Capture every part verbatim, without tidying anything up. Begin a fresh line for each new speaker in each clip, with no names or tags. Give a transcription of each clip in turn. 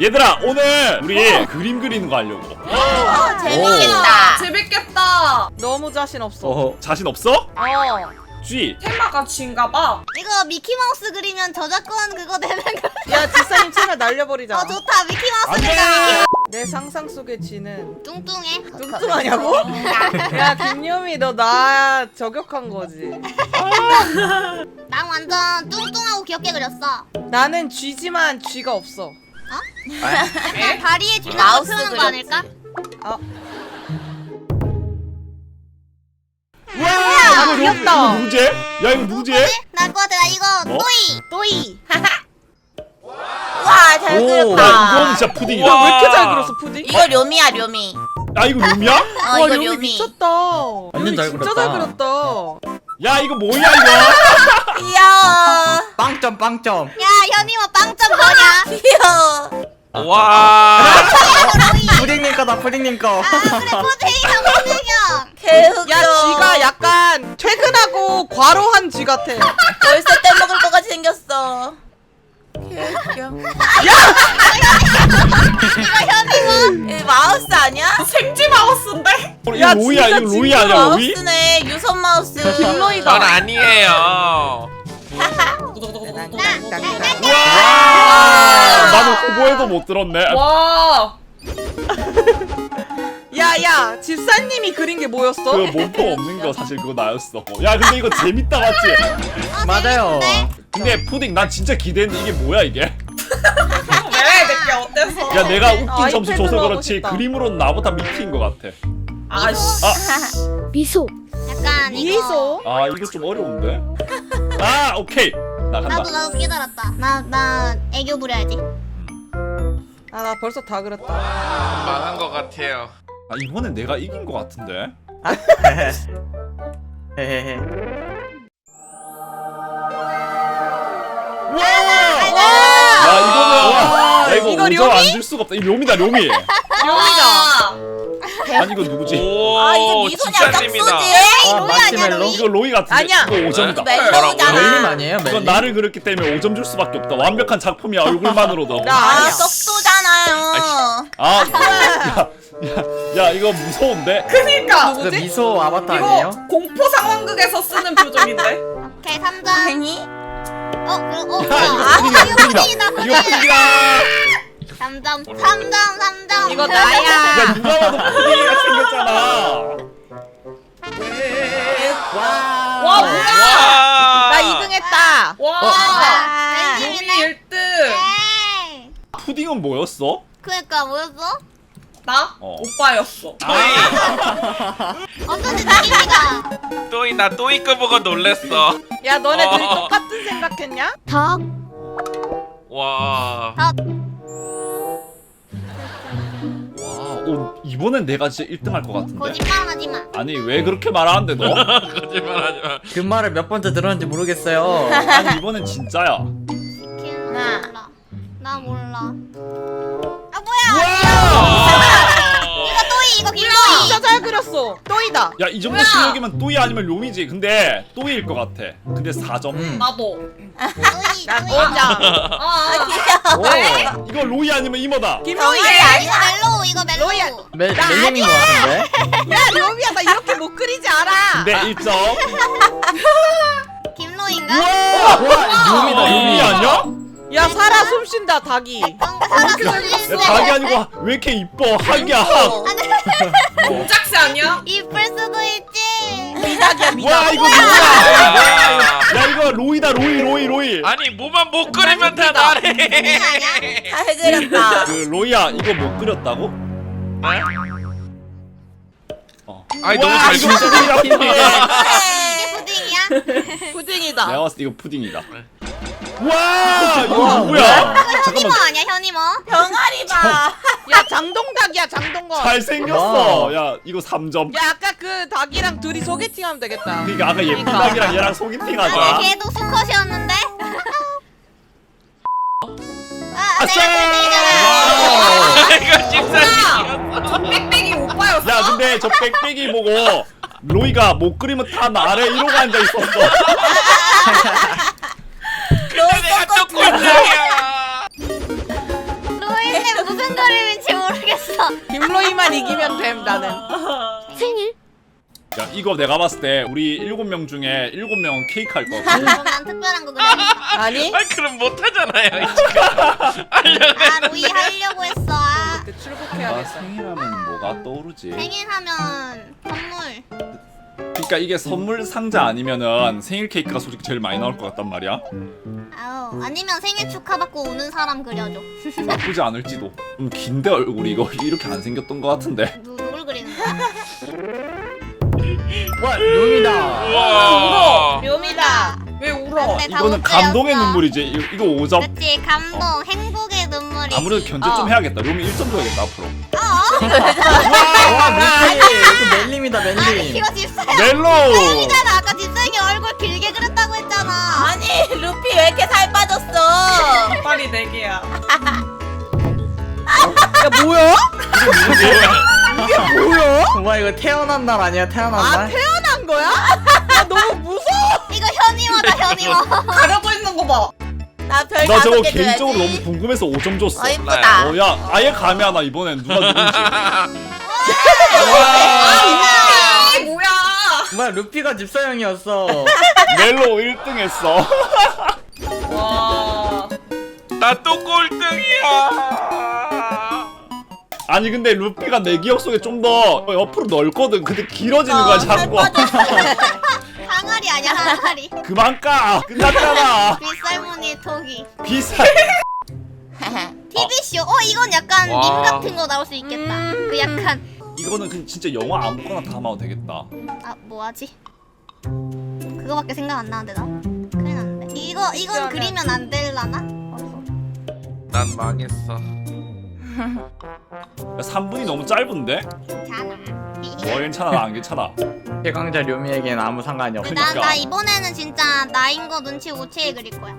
얘들아 오늘 우리 그림 그리는 거 하려고.
어, 재밌겠다.
재밌겠다.
너무 자신 없어.
어허.
자신 없어?
어.
쥐.
테마가 쥐인가봐.
이거 미키마우스 그리면 저작권 그거 되는 거.
야 지사님 채널 날려버리자.
어 좋다. 미키마우스
안 돼!
그려.
내 상상 속의 쥐는
뚱뚱해.
뚱뚱하냐고? 야 김유미 너 나 저격한 거지.
난 완전 뚱뚱하고 귀엽게 그렸어.
나는 쥐지만 쥐가 없어.
약간 다리에 쥐는 거
마우스
표현한 거
그렸지.
아닐까?
어.
와
아,
이거,
귀엽다.
이거 누구지? 야 이거 누구지?
나거 같아. 나 이거
뭐?
또이.
또이.
와, 잘
오.
야 이건 진짜 푸딩이다.
야, 왜 이렇게 잘 그렸어 푸딩?
이거 료미야, 료미.
야 이거 룸이야?
어,
와
이거
료미
료미.
미쳤다.
완전
료미
잘
진짜
그렸다.
잘 그렸다.
야 이거 뭐야 이거?
귀여워.
빵점 빵점.
야, 현이모 빵점 뭐냐? 귀여워.
와.
푸딩님 거다 푸딩님 거.
아, 그래, 포테이형, 포테이형.
개흑.
야 쥐가 약간 퇴근하고 과로한 쥐 같아.
벌써 떼먹을 것 같이 생겼어. 개웃겨.
이거 현이모.
이 마우스 아니야?
생쥐 마우스인데?
이거
야,
로이야
진짜
이거 로이 아니야 로이?
마우스네. 유선 마우스.
전
김로이다.
아니에요.
와 나도 후보에도 못 들었네.
와.
야야 집사님이 그린 게 뭐였어?
그 몸통 없는 거 사실 그거 나였어. 야 근데 이거 재밌다 맞지?
맞아요.
근데 푸딩 난 진짜 기대했는데 이게 뭐야 이게?
왜 내게 어때서?
야 내가 웃긴
아,
점수
아이패드로
줘서
하고
그렇지
싶다.
그림으로는 나보다 밑인 것 같아.
아씨.
아,
미소.
약간 이거.
미소.
아 이거 좀 어려운데? 아 오케이 나 간다.
나도 나도 깨달았다. 나 나 애교 부려야지.
아 나 벌써 다 그렸다.
망한 것 같아요.
아 이번엔 내가 이긴 것 같은데?
헤헤헤.
와! 야 이거는 야 이거
이거
오점
료미?
안 줄 수가 없다. 이 료미다 료미.
료미다.
아니 이거 누구지?
오,
아, 이게 미소냐,
집사님이다.
짝수지?
아
로이 아니야,
마시멜로.
로이?
이거 로이 같은데.
아니야.
이거 오 점이다.
네?
멜로우잖아.
멜님 아니에요
이건
멜님?
나를 그렸기 때문에 오 점 줄 수밖에 없다. 완벽한 작품이야 얼굴만으로도.
나
아,
아니야.
떡소잖아요.
아, 야, 야, 야, 이거 무서운데?
그니까.
그 미소 아바타
이거
아니에요?
공포 상황극에서 쓰는 표정인데.
오케이, 삼 점.
아니?
어, 어, 어.
야, 이거
아,
푸딩이다,
이거
푸딩이다.
푸딩이다,
이거
푸딩.
푸딩이다.
삼 점, 삼 점, 삼 점.
이거
야,
나야.
누가 봐도 푸딩이가 생겼잖아.
와.
와 뭐야?
와.
나 이 등 했다.
와.
아,
료미
웬일이네.
일 등.
에이.
푸딩은 뭐였어?
그니까 뭐였어?
나
어.
오빠였어.
또이,
어쩐지 느낌이가.
또이 나 또이 거 보고 놀랬어.
야 너네 둘이
어.
똑같은 생각했냐?
덕.
와.
와, 오, 이번엔 내가 진짜 일 등 할 것 같은데.
거짓말하지 마.
아니, 왜 그렇게 말하는데 너?
거짓말하지 마.
그 말을 몇 번째 들었는지 모르겠어요.
아니, 이번엔 진짜야.
나 몰라. 나 몰라. 아 뭐야?
와!
이거 또이, 이거
진짜
김로이.
잘 그렸어. 또이다.
야, 이 정도 실력이면 또이 아니면 료미지. 근데 또이일 것 같아. 근데 사 점.
음.
나도.
또이,
나
또이.
오 점.
아.
오.
이거 로이 아니면 이모다.
김로이.
이거 멜로우, 이거
로이야.
멜로우.
멜
나
멜님인 것 같은데?
야 료미야 나 이렇게 못 그리지 않아.
근데 일 점.
김로인가?
와!
와 료미다
로이
료미.
아니야?
야 살아 숨쉰다 닭이.
뭔가 살아
야,
숨쉬는데.
닭이 아니고 왜 이렇게 이뻐? 학이야, 학.
공작새 아니야?
이쁠 수도 있지.
미닭이야 미닭.
와, 이거 누구야? 야, 이거 로이다, 로이, 로이, 로이.
아니 뭐만 못 그리면 다 나래.
아니야?
잘 그렸다.
그 로이야, 이거 못 그렸다고? 어.
아니 너무
와,
잘
이거
그렸어.
푸딩이다, 푸딩.
이게 푸딩이야?
푸딩이다.
내가 봤을 때 이거 푸딩이다. 와, 이거 누구야?
이거 현이모
잠깐만.
아니야, 현이모?
병아리 봐.
야 장동닭이야 장동건.
잘생겼어.
와.
야, 이거 삼 점.
야 아까 그 닭이랑 둘이 소개팅하면 되겠다.
그러니까 아까 예쁜
그러니까.
닭이랑 얘랑 소개팅 하자.
아니, 걔도 수컷이었는데? 아,
아싸!
내가 푸딩이잖아.
이거 집사님이었어.
저 빽빽이 오빠였어.
야, 근데 저 빽빽이 보고 로이가 못 그리면 다 나래 이러고 앉아 있었어.
근데 내가 또 꼴등이야.
로이는 무슨 그림인지 모르겠어.
김로이만 이기면 됨 나는.
생일?
야 이거 내가 봤을 때 우리 일곱 명 중에 일곱 명은 케이크 할 거고.
그럼 난 특별한 거 그래.
아니?
아 그럼 못하잖아요 지금.
아 로이 하려고 했어. 아.
그때
아
출국해야겠다.
생일하면 뭐가 떠오르지?
생일하면 선물.
그러니까 이게 선물 상자 아니면은 생일 케이크가 솔직히 제일 많이 나올 것 같단 말이야.
아우 아니면 생일 축하받고 우는 사람 그려줘.
나쁘지 않을지도. 좀 긴데 얼굴이 이거 이렇게 안 생겼던 것 같은데.
누, 누굴 그리는 거야?
와 룸이다.
우와.
묘미다.
왜 울어?
근데 다
이거는
못
감동의
그렸어.
눈물이지. 이거, 이거 오 점.
그치 감동 행복의 눈물이.
아무래도 견제 좀
어.
해야겠다. 룸이 일 점 줘야겠다 앞으로.
와 루피. 이거 멜림이다
아니
멜림.
이거 집사야.
멜로.
mel로잖아. 아까 집사님이 얼굴 길게 그렸다고 했잖아.
아니 루피 왜 이렇게 살 빠졌어?
빨리 네 개야.
야 뭐야?
와 이거 태어난 날 아니야 태어난
아
날?
태어난 거야? 야 너무 무서워.
이거 현이와다 현이와.
가려져 있는 거 봐.
나 별
나
다섯
저거
개
개인적으로
줘야지.
너무 궁금해서 오 점 줬어.
어 이쁘다.
어, 야, 아예 감이 하나 이번엔 누가 누군지.
아 뭐야?
뭐야 루피가 집사형이었어.
멜로 일 등 했어.
와.
나 또 꼴등이야.
아니 근데 루피가 내 기억 속에 좀 더 옆으로 넓거든. 근데 길어지는 거야
어, 살
자꾸.
빠졌어.
항아리 아니야 항아리.
그만 까. 끝났잖아.
빗살무늬 토기.
비쌀.
티비쇼. 어 이건 약간
와.
밈 같은 거 나올 수 있겠다. 그 약간
이거는 그냥 진짜 영화 아무거나 담아도 되겠다.
아 뭐하지? 그거밖에 생각 안 나는데 나. 큰일 났는데. 이거 이건 그리면 안 될라나? 어서.
난 망했어.
야, 삼 분이 너무 짧은데?
괜찮아.
어 괜찮아 나 안 괜찮아.
최강자 류미에겐 아무 상관이 없어.
그러니까.
나, 나 이번에는 진짜 나인 거 눈치 못 채게 그릴 거야.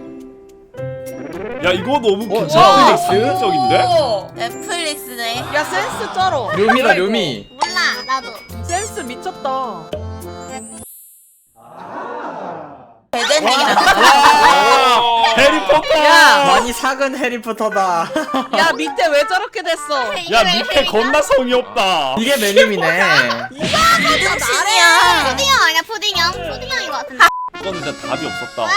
야 이거 너무
어,
괜찮아.
와.
상징적인데?
오.
넷플릭스네.
야 센스 쩔어.
류미다 류미.
몰라 나도.
센스 미쳤다.
배드닝이랑.
와 해리포터.
야.
많이 작은 해리포터다.
야 밑에 왜 저렇게 됐어?
이게
야
왜
밑에
헬이냐?
겁나 성의 없다.
이게 멜림이네.
이등신이야.
푸딩형 아니야 푸딩형? 푸딩형인 것 같은데.
이건 진짜 답이 없었다. 와.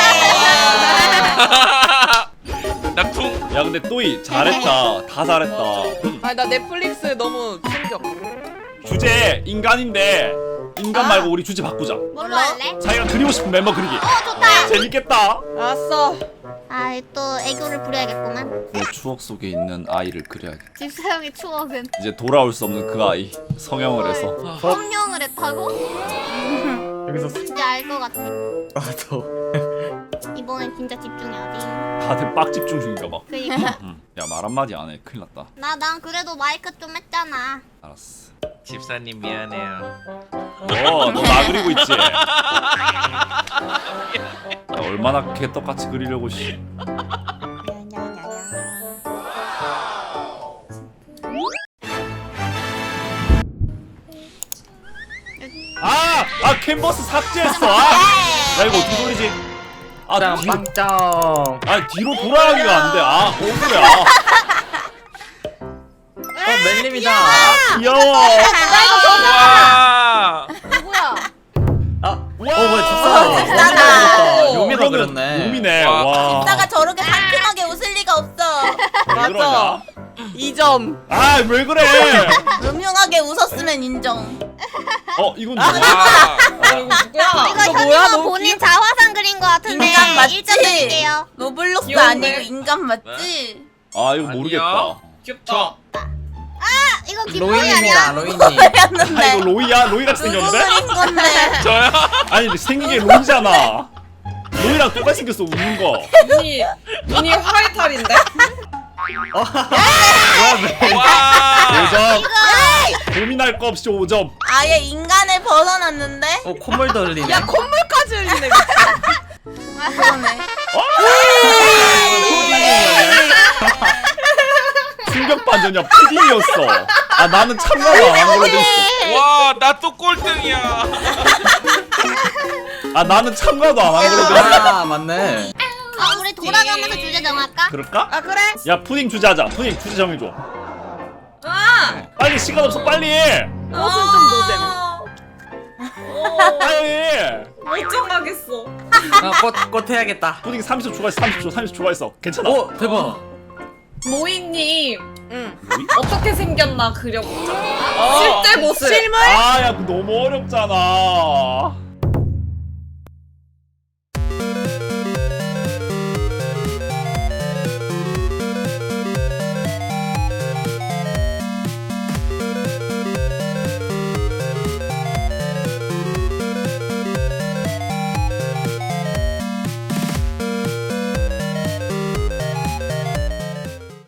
나 쿵.
야 근데 또이 잘했다. 다 잘했다.
아니 나 넷플릭스 너무 충격.
주제 인간인데 인간
아.
말고 우리 주제 바꾸자.
뭘로 할래?
자기가 그리고 싶은 멤버 그리기.
어 좋다.
재밌겠다.
알았어.
아 또 애교를 부려야겠구만.
내 추억 속에 있는 아이를 그려야겠다.
집사형의 추억은
이제 돌아올 수 없는 그 아이 성형을 해서.
성령을 했다고?
여기서
이제 알 것 같아.
와도
이번엔 진짜 집중해야지.
다들 빡 집중 중인가 봐.
그니까
응. 야 말 한마디 안 해. 큰일 났다.
나 난 그래도 마이크 좀 했잖아.
알았어.
집사님 미안해요.
어, 너 나 그리고 있지. 야, 얼마나 개떡같이 그리려고 씨. 아, 아 캔버스 삭제했어. 아, 야 이거 어떻게 돌리지? 아, 뒤로,
빵빵짱.
아 뒤로 돌아가기가 안 돼. 아, 억울해.
어 멜림이다.
아, 귀여워.
와.
누구야?
아, 어 뭐야 집사다.
집사다.
류미가 그렸네.
룸이네.
와.
와.
집사가 저렇게 상큼하게 웃을 리가 없어.
왜
맞아.
그러냐?
이 점.
아, 왜 그래?
음흉하게 웃었으면 인정.
어, 이건 누구야?
와.
아 이거 누구야?
이거
이거 뭐야?
현이가
너무
본인 자화상 그린 거 같은데
인간 맞지?
일 점 드릴게요.
로블록스
귀여운데?
아니고 인간 맞지?
아, 이거
아니야.
모르겠다.
귀엽다.
아 이거 김로이
로이님이다
아니야?
로이님.
아,
그랬는데
이거 로이야? 로이같이
누구
생겼는데?
그린 건데?
저요?
아니 근데 생긴 게 로이잖아. 로이랑 똑같이 생겼어 웃는 거.
눈이 눈이 화이탈인데?
와.
오 점. 고민할 거 없이 오 점.
아예 인간을 벗어났는데?
어 콧물도 흘리네.
야 콧물까지 흘리네.
그러네.
충격 반전이야. 푸딩이었어. 아 나는 참가도 안 한 걸로 돼 있어.
와, 나 또 꼴등이야.
아 나는 참가도 안 한 걸로 돼 있어.
아 맞네.
아 우리 돌아가면서 주제 정할까?
그럴까?
아 그래?
야 푸딩 주제 하자. 푸딩 주제 정해줘.
아!
빨리 시간 없어 빨리.
꽃은 좀 노잼.
어,
빨리.
못 정하겠어.
아, 꽃, 꽃 해야겠다.
푸딩 삼십 초 추가했어. 삼십 초 삼십 초 추가했어. 괜찮아.
오, 대박.
모이님
응.
어떻게 생겼나 그려보자.
어.
실제 모습.
실물?
아야 너무 어렵잖아.